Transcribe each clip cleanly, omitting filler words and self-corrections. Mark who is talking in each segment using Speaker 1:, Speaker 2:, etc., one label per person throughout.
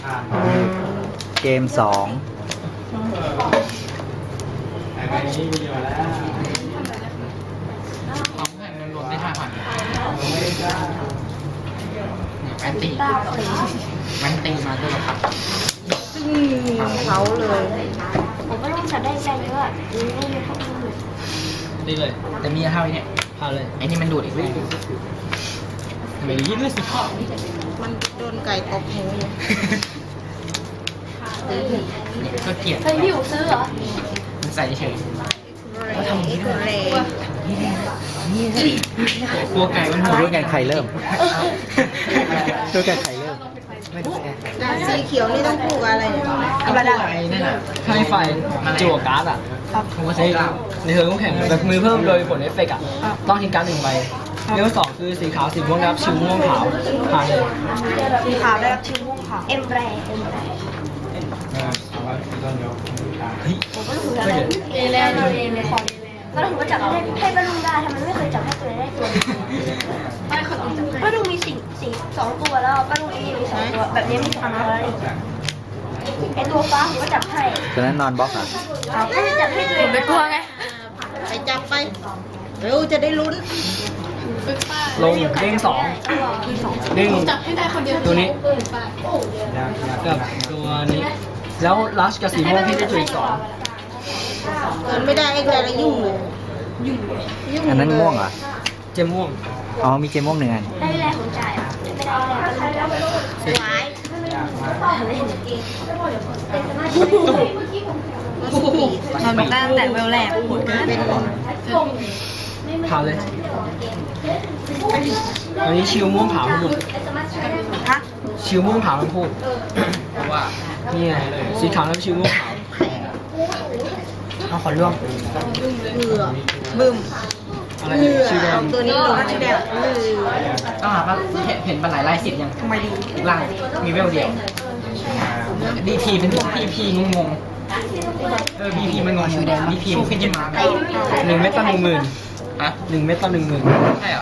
Speaker 1: เกม2
Speaker 2: ของแผ่นเงินรวมได้5,000แอนตี้แอนตี้มาด้วยครับ
Speaker 3: เขาเลย
Speaker 4: ผมก็ต้องจับได้ใจเยอะไม่เยอะเท่าอื่น
Speaker 2: ดีเลย แต่มีเท่านี้พาเลยไอ้นี่มันดูดอีกแล้วทำไมยิ่งเลยสิพ่อ
Speaker 3: มันโดนไก่ตบหูอยู่
Speaker 2: ก็เกลียด
Speaker 4: เฮ้ยพี่อู๋ซื้อเหรอ
Speaker 2: มันใส่เฉย
Speaker 3: เขาทำอย่างนี้ด้วย
Speaker 2: กลัวไก่มันหัว
Speaker 1: ด้วยกันใครเริ่มด้วยกันใครเริ่ม
Speaker 3: สีเขียวนี่ต้องคู่กับอะไรเนี่ย
Speaker 2: ธรรมดาไอ้นั่นน่ะให้ไฟจั่วการ์ดอ่ะผมว่าใช้ในเทิร์นคู่แข่งแบบมือเพิ่มโดยผลเอฟเฟกต์อ่ะต้องทิ้งการ์ด1 ใบเรื่อง2คือสีขาวสีม่วงรับชิวม่วงขาวผ่านเลย
Speaker 3: สีขาวได้รับชื่อม่วงขาว
Speaker 4: เอ็มแรผมก็รู้แล้วเอเลนก็ถึงว่าจับให้ป้าลุงได้ทำไมไม่เคยจับให้ตัวได้ตัวป้าลุงมีสี2 ตัวแล้วป้าลุงเองมี2 ตัวแบบนี้มี2 ตัวแล้วไอตัวฟ้าผมก็จับให้
Speaker 1: ตอนนั้นนอนบล็อกอ่ะ
Speaker 4: ก็จะจับให้ตัวเองไม่กลัวไง
Speaker 3: ไปจับไปเร็วจะได้ลุ้น
Speaker 2: ลงเด้ง2เด้งตัวนี้กับตัวนี้แล้วลัชกับสีม่วงพี่ได้จุดอีก2
Speaker 3: เกินไม่ได้ไอ้แต่ละยุ่งเลย
Speaker 1: อันนั้นม่วงเหรอ
Speaker 2: เจมม่วง
Speaker 1: อ๋อมีเกมม่วง1 อัน
Speaker 4: ได้แรงของจ่ายไม่ได้แรงก็ได้
Speaker 3: หวาย
Speaker 4: มันไม่ตั้งแต่เวลแรก
Speaker 3: เป็น
Speaker 2: ผ่านเลยอันนี้ชิวม่วงขาวทั้งหมด
Speaker 3: ฮะ
Speaker 2: ชิวม่วงขาวทั้งคู่ว่านี่ไงสีขาวแล้วชิวม่วงขาวเอาขอร่วง
Speaker 3: เหงื่อบึ้ม
Speaker 2: อะไร
Speaker 3: เหงื่อ
Speaker 2: ชิวแด
Speaker 3: เอา
Speaker 2: ง
Speaker 3: ตัวนี้ลงชื่อแดงเหงื่อ
Speaker 2: ต้องหาว่าเห็นปลาไหลลาย10ยัง
Speaker 3: ทำไมดี
Speaker 2: อีกล่างมีเวลเดียวดีพีเป็นพีพีงงพีพีมันงงดีพีมันขึ้นจะมา1 เม็ดต่อ 10,000อะ1 เม็ดต่อ 10,000ใช่เหรอ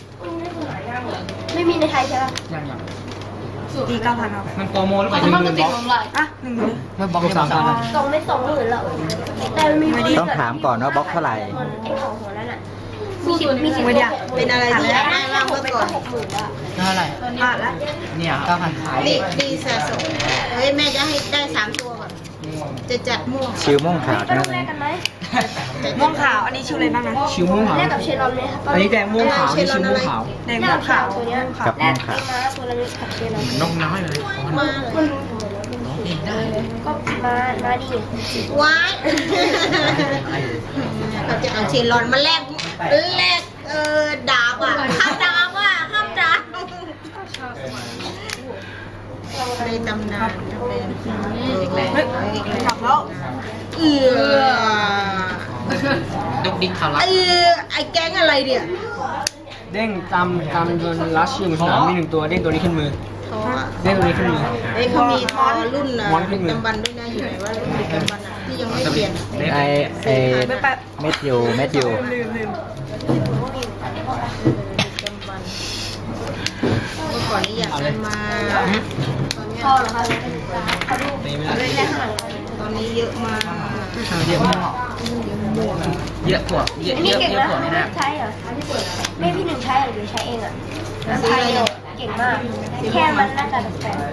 Speaker 4: ไม่มีในไทยใช่ไหม
Speaker 2: ยัง
Speaker 3: ตี9,000ครับ
Speaker 2: มันโปรโมหรือเปล่า10,000บล็อก
Speaker 3: อ่ะ1,000
Speaker 2: ไม่บล็อก3,000
Speaker 4: 2 ไม่ 20,000แล้วแต่มันมี
Speaker 1: ต้องถามก่อนว่าบล็อกเท่าไหร่
Speaker 4: ไอ้ของหัวนั่นอ่ะมี10
Speaker 3: ไม่ได้เป็นอะไรที่อยากได้มากเมื่อก่อน
Speaker 4: 60,000แล้ว
Speaker 2: เท่าไหร่
Speaker 3: อ่ะแล้ว
Speaker 2: เนี่ย9,000ขาย
Speaker 3: ดีสะสมเฮ้ยแม่จะให้ได้3 ตัวก่อน จะจัดม่วง
Speaker 1: ชิวม่วงขาว
Speaker 4: ก็
Speaker 1: นะ
Speaker 4: ต้องแลกกันไหม
Speaker 3: ม่วงขาว อันนี้ชื่ออะไรบ้างนะ
Speaker 2: ชิวม่วงขาว
Speaker 4: แลกกับเชลลอนไหมครับ
Speaker 2: อันนี้แดงม่วงขาวนี่ชิวม่วงขาว
Speaker 3: แดง
Speaker 4: แลก
Speaker 3: ม่ว
Speaker 4: กั
Speaker 3: ง
Speaker 4: บ
Speaker 3: ขาว
Speaker 4: ตัวเนี้ย
Speaker 1: กับ
Speaker 4: แล
Speaker 1: ม่ว
Speaker 4: ก
Speaker 1: ง
Speaker 4: กับ
Speaker 1: ขาว
Speaker 4: ตัวละนิดกับเชลลอน
Speaker 2: นกน้อยเลย
Speaker 3: มาเลย
Speaker 4: ก็มาดิ
Speaker 3: ว้ายเราจะเอาเชลลอนมาแลกดาบอ่ะข้ามดาบอ่ะข้ามดาบในตำนานจะเป็นกลับแล้ว
Speaker 2: ดกดิ๊กเขารับ
Speaker 3: ไอ้แก๊งอะไรเนี่ย
Speaker 2: เด้งตามโดนลัชชิวสนามมี1 ตัวเด้งตัวนี้ขึ้นมือ
Speaker 3: ทออ่ะ
Speaker 2: เด้งตัวนี้ขึ้นมือ
Speaker 3: เอ้ยเขามีทอรุ่นนะ
Speaker 2: ม้วนขึ้นมือ
Speaker 3: จำบันด้วยนะอยู่ไหนว่ารุ่นจำบันอ่ะที่ยังไม่เปลี่ยน
Speaker 1: ไอเม็ดยู
Speaker 3: จำบันเมื่อก่อนนี้อยากได้มา
Speaker 4: พอเหรอครับ
Speaker 2: ตีไม่ได้
Speaker 3: ตอนนี้เยอะมาก
Speaker 2: เยอะมากเยอะกว่าเยอะ
Speaker 4: อัน
Speaker 2: เย
Speaker 4: นี้
Speaker 2: อะ
Speaker 4: เก่ง
Speaker 2: เยอะ
Speaker 4: นะ
Speaker 2: กว่านี่นะ
Speaker 4: ใช้เหรอไม่พี่หนึ่งใช้หรือใช้เองอ่ะใช้เก่งมากแค่มันน่าจะแปลก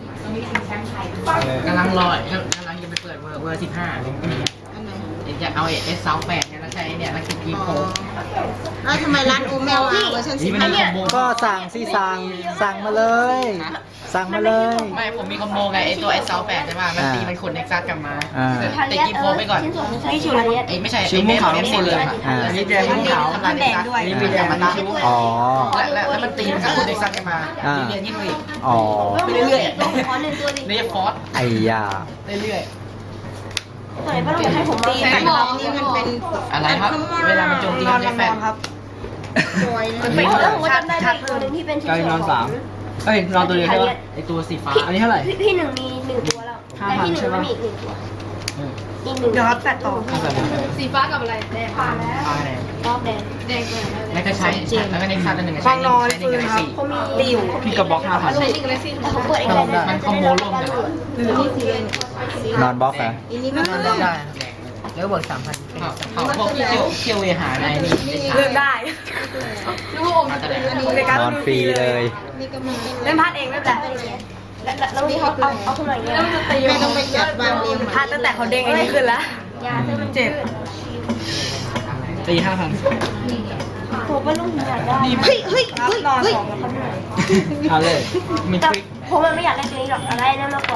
Speaker 2: กำลังรอกำลังจะไปเปิดเวอร์15
Speaker 3: อันไหน
Speaker 2: จะเอาเอสซัล8เนี่ยแล้วใช้เนี่ยแล้วคิดกีโพ
Speaker 3: แล้วทำไมร้านโอเมลเวอร์ชัน
Speaker 2: นี่
Speaker 3: สิบ
Speaker 2: มัน
Speaker 3: ห้า
Speaker 2: มีคอมโบ
Speaker 1: ก็สั่งมาเลย สั่งมาเลย
Speaker 2: ไม่ผมมีคอมโบไงไอตัวเอสซัล8ใช่ป่ะมันตีมันขนเน็กซัสกลับมา
Speaker 4: ๆ
Speaker 2: ติดกีโพไปก่อน
Speaker 4: ชิ้นส่วนใช้ชิ้นส่วน
Speaker 2: ไอ้ไม่ใช่ไอ้เมฆเอฟซีเลยอันนี้แดงม่วงขาวทำลายเน็กซัสอันนี้มีแดงมาตั้ง
Speaker 1: อ๋อ
Speaker 2: แล้วมันตีมันก็ขนเน็กซัสกลับมาเรียนยิ่งอีก
Speaker 1: อ๋อ
Speaker 2: เรื่อย
Speaker 4: ขอหนึ่งตัวดิ
Speaker 2: ๆเรียกฟอส
Speaker 1: ไอ้ยา
Speaker 2: เรื่อย
Speaker 4: ตัวไหนป้าลุงให้ผม
Speaker 3: ตี
Speaker 4: ตี
Speaker 3: แผ่น
Speaker 4: บ
Speaker 3: ท
Speaker 4: อ
Speaker 3: อก งนี่มันเป็น
Speaker 2: อะไรครับ เวลามันโจมตีมันได้แฟน
Speaker 3: สวยนะ
Speaker 4: ไม่แล้วผมก็จำได้ตัวหนึ่งที่เป็นชิ้น
Speaker 2: กลาย
Speaker 4: ส่วน
Speaker 2: นอน3เอ้ยนอนตัวเดียวใช่ป่ะไอตัวสีฟ้าอันนี้เท่าไหร่
Speaker 4: พี่หนึ่งมี1 ตัวแล้วแต่พี่หนึ่งไม่มีอีก1 ตัวอีกหนึ่ง
Speaker 3: เดี๋ยวครับแปดต่อ
Speaker 5: สีฟ้ากับอะไรแดง
Speaker 4: ผ่านแล้ว
Speaker 2: อะไร
Speaker 4: รอบแดง
Speaker 5: แดงเลย
Speaker 2: แล้วก็ใช้แล้วก็ในคาตัวหนึ่ง
Speaker 3: ฟังนอน
Speaker 2: ใช้ใน
Speaker 3: ฟื
Speaker 2: กาน แล็ก
Speaker 3: ครับ
Speaker 2: ซี่
Speaker 4: เขามี
Speaker 3: ติว
Speaker 2: พี่กระบอก5,000
Speaker 5: ใช้ลิงก์อะไรสิ
Speaker 4: แต่เขาเปิดอีกแล้ว
Speaker 2: มันคอมโบร่วมกัน
Speaker 1: นอนบล็อกเหรอ
Speaker 2: นอนได้แล้วบวก3,000เขาพวกที่เที่ยวเวหาในนี่
Speaker 3: เลือกได้
Speaker 5: นึกว่าอมจะเป็นอันนี้
Speaker 3: ในการ
Speaker 1: นอนฟรีเลย
Speaker 3: เล่นพลาดเองไม่เป็นไร
Speaker 4: แล้วนี่เอาขึ้นมาอย่างเงี้ย
Speaker 3: ไม่ต้องไปจัดวางเรียงพลาดตั้งแต่เขาเด้งไอ้นี่ขึ้นแล้ว
Speaker 4: ยาซื้อมัน
Speaker 3: เจ็บ
Speaker 2: ตี5,000
Speaker 4: ผมว่าลูกอยากได้
Speaker 3: เฮ้ยเฮ้ยเฮ้ย
Speaker 4: นอน
Speaker 3: เฮ้ย
Speaker 4: สองแล้วเขาเหนื่อย
Speaker 2: เอาเลยมี
Speaker 4: แต่
Speaker 2: ทริค
Speaker 4: ผมมันไม่อยากได้ตัวนี้หรอกอะไรนั่นมากกว่า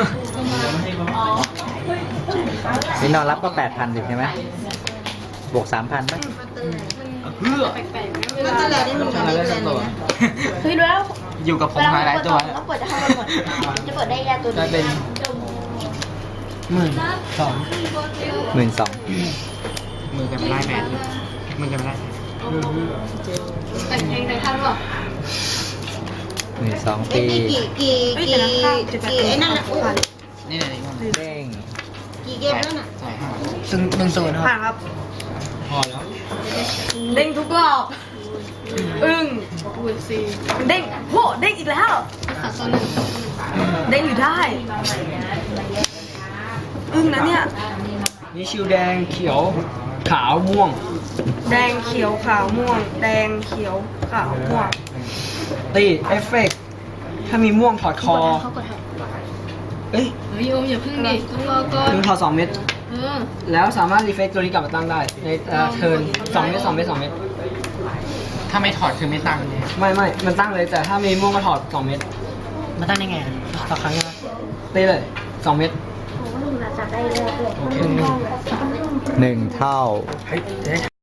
Speaker 1: นี่นอนรับก็ 8,000สิใช่ไหมบวก 3,000ป่ะ
Speaker 2: เพื่อ
Speaker 3: ก็ตลอดได้หนึ่ง
Speaker 2: อะไร
Speaker 3: เดื
Speaker 2: สั
Speaker 3: อก น
Speaker 2: ตัว
Speaker 4: เฮ้ยแล้ว
Speaker 2: อยู่กับผมมาหลายตัว
Speaker 4: แล้วเปิดจะให้มันหมดจะเปิดได้ยาตัว
Speaker 2: ได้
Speaker 4: นี้
Speaker 2: เป็น12,000
Speaker 1: 12,000
Speaker 2: มือกันไม่ได้แมนมือกันไม่ได้
Speaker 5: แต่งเองในท่านบอก
Speaker 1: 12,000
Speaker 3: เอ้
Speaker 1: ปี
Speaker 3: ยกี่ไอ้นั่นแหละ
Speaker 2: นี่ไหนนี่
Speaker 1: เด้ง
Speaker 3: กี่เกมแล้วน่ะ
Speaker 2: ใช่1-0ครับ
Speaker 3: ผ่านครับ
Speaker 2: พอแล้ว
Speaker 3: เด้งทุกรอบ อึ้ง
Speaker 5: บุญซี
Speaker 3: เด้งโหเด้งอีกแล้ว
Speaker 5: ขาดโซนหนึ่ง
Speaker 3: เด้งอยู่ได้ อึ้งนะเนี่ย
Speaker 2: นี่ชิวแดงเขียวขาวม่วง
Speaker 3: แดงเขียวขาวม่วง แดงเขียวขาวม่วง
Speaker 2: ตีเอฟเฟกต์ถ้ามีม่วงถอดคอ
Speaker 4: เขากดให้
Speaker 2: เอ้ย
Speaker 5: เฮ้ยโอมอย่าพึ่งดิต้องรอก่อน
Speaker 2: มึงถอด2 เม็ด
Speaker 5: เออ
Speaker 2: แล้วสามารถรีเฟกตัวนี้กลับมาตั้งได้ ในเทิร์น2 เม็ด2 เม็ด2 เม็ดถ้าไม่ถอดคือไม่ตั้งไม่มันตั้งเลยแต่ถ้ามีม่วงก็ถอด2 เม็ดมันตั้งได้ไงต่อครั้งนะตีเลย2 เม็ด
Speaker 4: ผมว่าลูกน่าจะได้เลย
Speaker 2: โอเค
Speaker 1: 1 เท่า
Speaker 2: เฮ้ย